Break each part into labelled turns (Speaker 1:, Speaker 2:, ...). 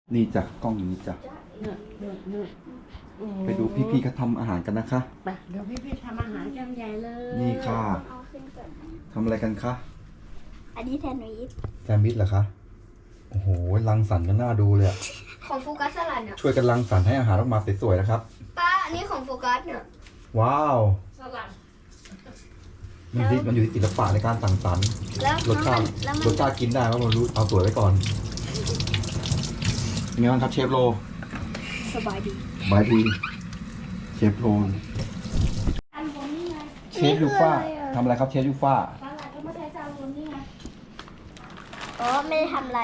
Speaker 1: นี่จ้ะกล้องนี้จ้ะไปดูพี่ๆเขาทำอาหารกันนะคะ
Speaker 2: ไปเดี๋ยวพี่ๆทำอาหารกันใหญ่เลย
Speaker 1: นี่ค่ะ
Speaker 3: เอาขึ้นก่อนนะ
Speaker 1: ทำอะไรกันคะ
Speaker 3: อันนี้แซนด์วิช
Speaker 1: แซนด์วิชเหรอคะโอ้โหรังสรรค์กันน่าดูเลยอะ
Speaker 3: ของโฟกัสสลัดเนี่ย
Speaker 1: ช่วยกันรังสรรค์ให้อาหารออกมาสวยๆนะครับ
Speaker 3: ป้าอันนี้ของโฟกัสเนี่ย
Speaker 1: ว้าว
Speaker 2: สลัด
Speaker 1: มันอยู่ที่ศิลปะในการสั่งสรรค์
Speaker 3: แล้ว
Speaker 1: รสชาติ
Speaker 3: แล้วมัน
Speaker 1: รสชาติกินได้ว่ามันรู้เอาสวยไว้ก่อนเป็นไงบ้างครับเชฟโร
Speaker 3: สบายดี
Speaker 1: บายดีเชฟโร
Speaker 2: อันบนนี่ไง
Speaker 1: เชฟยูฟ่าทำอะไรครับเชฟยูฟ่า
Speaker 2: สลัดก็ไม่ใช่จานบนนี่ไง
Speaker 3: อ๋อไม่ได้ทำอะไร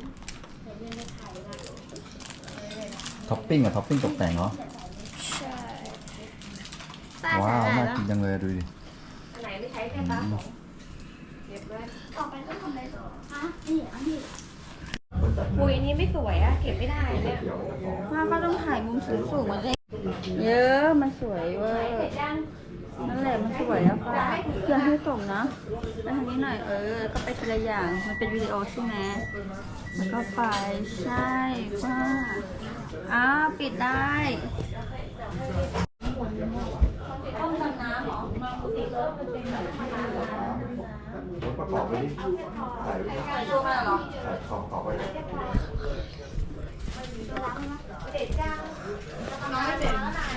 Speaker 1: ท็อปปิ้งอะท็อปปิ้งตกแต่งเหรอ
Speaker 3: ใช่ป้า
Speaker 1: ว้า
Speaker 3: สาว หร่าย
Speaker 1: น่า
Speaker 3: แล้ว
Speaker 1: กินจังเลยดูดิ
Speaker 2: อันไหนไม่ใช้แค่ปลาของเก็บไว้
Speaker 3: ต่อไปก็ทำอะไรต่อฮะนี่อันนี้
Speaker 2: ปุยนี้ไม่สวยอะเก็บไม่ได้เนี่ย
Speaker 4: ป้าก็ต้องถ่ายมุมสูงๆมาเลยเยอะมันสวยเว้ย
Speaker 2: เสร็จยัง
Speaker 4: นั่นแหละมันสวยแล้วป้าอย่าให้ตกนะไปทางนี้หน่อยก็ไปทีละอย่างมันเป็นวิดีโอใช่ไหมแล้วก็ไปใช่ป้าปิดได้ต้องทำน้ำเหรอ
Speaker 1: ประกอบไปดิใส่
Speaker 4: ใส่ตัวมาเหรอ
Speaker 1: ของต่อไป
Speaker 2: เสร็จยัง
Speaker 4: น้องไม่เสร็จ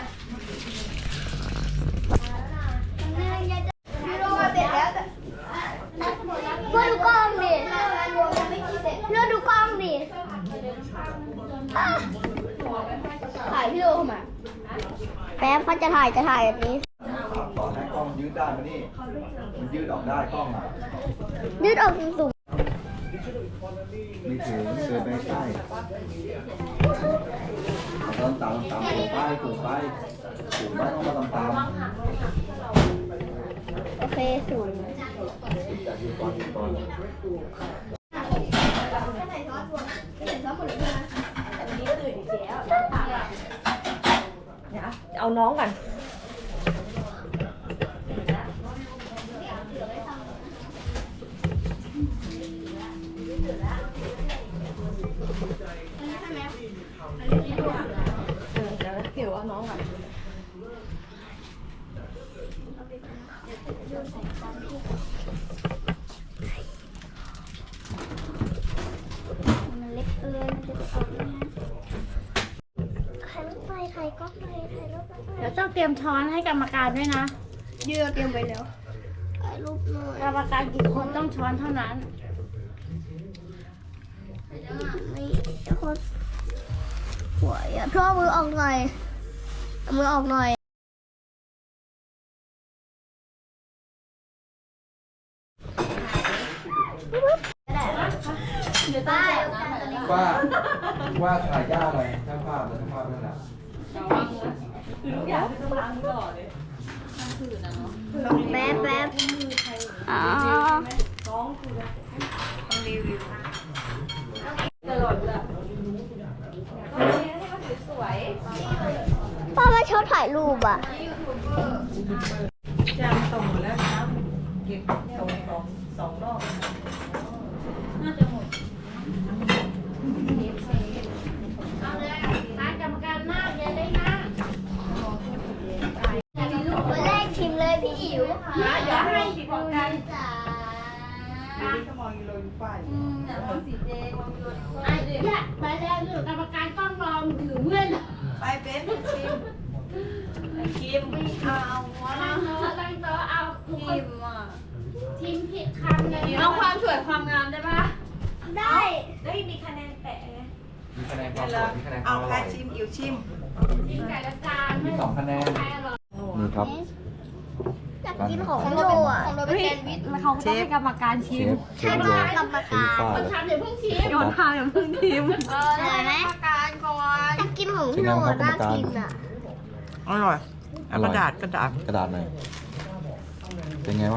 Speaker 3: พี่โรมาเสร็จแล้วเพื่อดูกล้องดิเพื่อดูกล้องดิอ่ะถ่ายพี่โรเข้ามาแป๊บเขาจะถ่ายแบบนี้
Speaker 1: ต่อให้กล้องยืดได้มานี่มันยืดออกได้กล้องอ่ะ
Speaker 3: ยืดออกสูง
Speaker 1: ไม่ถึงเดินไปใกล้ตามตามตามถูกไปถูกไปถูกไปต้องมาตามตาม
Speaker 3: โอเคสูง
Speaker 1: จากยืนก่อนยืนก่อน
Speaker 2: เดี๋ยวเอาน้องก่อน เดี๋ยวเกี่ยวเอาน้องก่อน
Speaker 3: มันเล็กเกินมันจะออกเนี่ยถ่ายรูปไปถ่ายกล้องไปถ่ายรูปไป
Speaker 2: เดี๋ยวต้องเตรียมช้อนให้กรรมการด้วยนะ
Speaker 3: ยืดเตรียมไว้แล้วถ่ายรูปหน่อย
Speaker 2: กรรมการกี่คนต้องช้อนเท่านั้น
Speaker 3: นี่โคตรสวยอ่ะพ่อมือออกหน่อยเอามือออกหน่อยได้
Speaker 1: ว่าถ่ายยากเลยช่างภาพและช่างภาพนั่นแหละ
Speaker 3: แป๊บแป๊บอ๋อพ่อมาชอบถ่ายรูปอ่ะ
Speaker 4: จานตรงหมดแล้วนะเก็บสองรอบน่าจะหมด
Speaker 2: เอาเลยร้านกรรมการหน้าอย่าได้หน้า
Speaker 3: คนแรกชิมเลยพี่อิ๋ว
Speaker 2: อย่าให้ผิดของกัน
Speaker 4: ก็มองอยู่เลยฝ่ายมองสีแดงมองอยู่
Speaker 2: ไอ้เนี่ยไปแล้วหรือกรรมการต้องรอถือเมื่อน
Speaker 4: ไปเป็นชิมคิมไม่เอาวะ
Speaker 2: ตั้งโต๊ะเอาทุกคน
Speaker 4: คิมอ่ะ
Speaker 2: ทีมผิดคำเลย
Speaker 4: เอาความสวยความงามได้ปะ
Speaker 3: ได้
Speaker 4: ได้มีคะแนนแปะไง
Speaker 1: มีคะแนนความสวยมีคะแนนค
Speaker 4: เอา
Speaker 1: วามอ
Speaker 4: ใคร
Speaker 1: ร่อย
Speaker 4: ชิมอิ๋วชิม
Speaker 2: ทีมไก่ละจาน
Speaker 1: มี2คะแนน
Speaker 2: ใครอร่อย
Speaker 1: นี่ครับ
Speaker 3: อยากกินของโรอ่ะของโรเป็นแซนด์วิช
Speaker 4: เขาต้องให้กรรมการ
Speaker 1: เช
Speaker 4: ชิม
Speaker 1: ฟเชฟโร
Speaker 3: กรรมการ
Speaker 1: เชฟฟ้า
Speaker 2: คนทำเดี๋ยวเพิ่งชิม
Speaker 4: โยนทาอย่างพึ่งทิม
Speaker 3: อร่อยไหมกรรมการก่อนอยากกินของพี่โรน่ากินอ่ะ
Speaker 4: อร่อย
Speaker 1: อร่อย
Speaker 4: กระดาษ
Speaker 1: กระดาษหน่อยเป็นไงบ้าง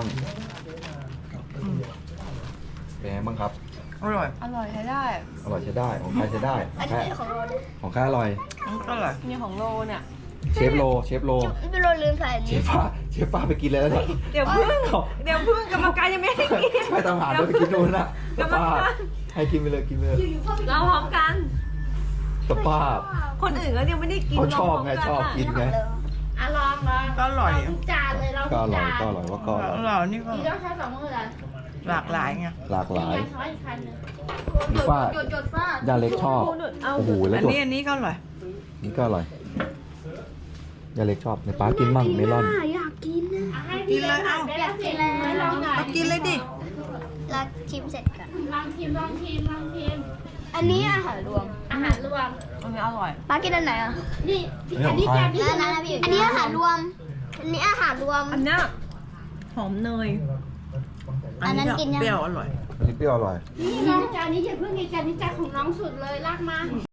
Speaker 1: เป็นไงบ้างครับ
Speaker 4: อร่อยใช้ได้
Speaker 1: อร่อยใช้ได้ของใครใช้ได้
Speaker 3: อันนี้ของโรนะ
Speaker 1: ของใครอร่อย
Speaker 4: อร่อย
Speaker 2: นี่ของโลเนี่ย
Speaker 1: เชฟโรเชฟโร
Speaker 3: พี่โรลืมใส่อัน
Speaker 1: เช
Speaker 3: นี้
Speaker 1: ฟฟ้าไปกินเลยแล้วเนี่ย
Speaker 4: เดี๋ยวพึ่งกรรมการยังไม่ให้กิน
Speaker 1: ไปตามหาด้วยไปกินนู่นนะ
Speaker 4: กรรมการ
Speaker 1: ให้กินไปเลยกินไปเลย
Speaker 4: เราพร้อมกัน
Speaker 1: สภาพ
Speaker 2: คนอื่นก็ยังไม่ได้กิน
Speaker 1: เขาชอบไงชอบกินไง
Speaker 3: อ่ะลอง
Speaker 5: ก็อร่อย
Speaker 3: ทุกจานเลยเรา
Speaker 1: ก็อ
Speaker 3: ทุก
Speaker 1: ร่อย
Speaker 3: จาน
Speaker 1: ก็อร่อยว่าก็อร่อย
Speaker 5: อร่อยนี่ก็
Speaker 3: อีกต้องใช้2 มือเลย
Speaker 5: หลากหลายไง
Speaker 1: หลากหลาย
Speaker 3: ช้อนอีกคันหนึง
Speaker 1: มีฝ้า
Speaker 3: จดฝ้า
Speaker 1: ย่าเล็กชอบโอ้โหแล้ว
Speaker 5: อัน
Speaker 1: จด
Speaker 5: นี้อันนี้ก็อร่อย
Speaker 1: นี่ก็อร่อยย่าเล็กชอบในป้ากินมั่งเมลอน
Speaker 3: อยากกินนะ
Speaker 5: กินเลยเอ้า
Speaker 3: อยากกินแล้วลองหน่อย
Speaker 5: เอากินเลยดิ
Speaker 3: เราชิมเสร็จกัน
Speaker 2: ลองชิม
Speaker 3: อันนี้อาหารรวม
Speaker 2: อาหารรวม
Speaker 5: อันนี้อร่อย
Speaker 3: ป้ากินอันไหนอ่ะ
Speaker 2: นี่
Speaker 1: นี่ของใคร
Speaker 3: อันนี้อาหารรวม อันนี้อาหารรวม
Speaker 5: อันเนี้ยหอมเนย
Speaker 3: อันนั้นกินยัง
Speaker 5: เปรี้ยวอร่อย
Speaker 1: อันนี้เปรี้ยวอร่อย
Speaker 2: นี่น้องจานนี้อย่าเพิ่งกินจานนี้จานของน้องสุดเลยลากมา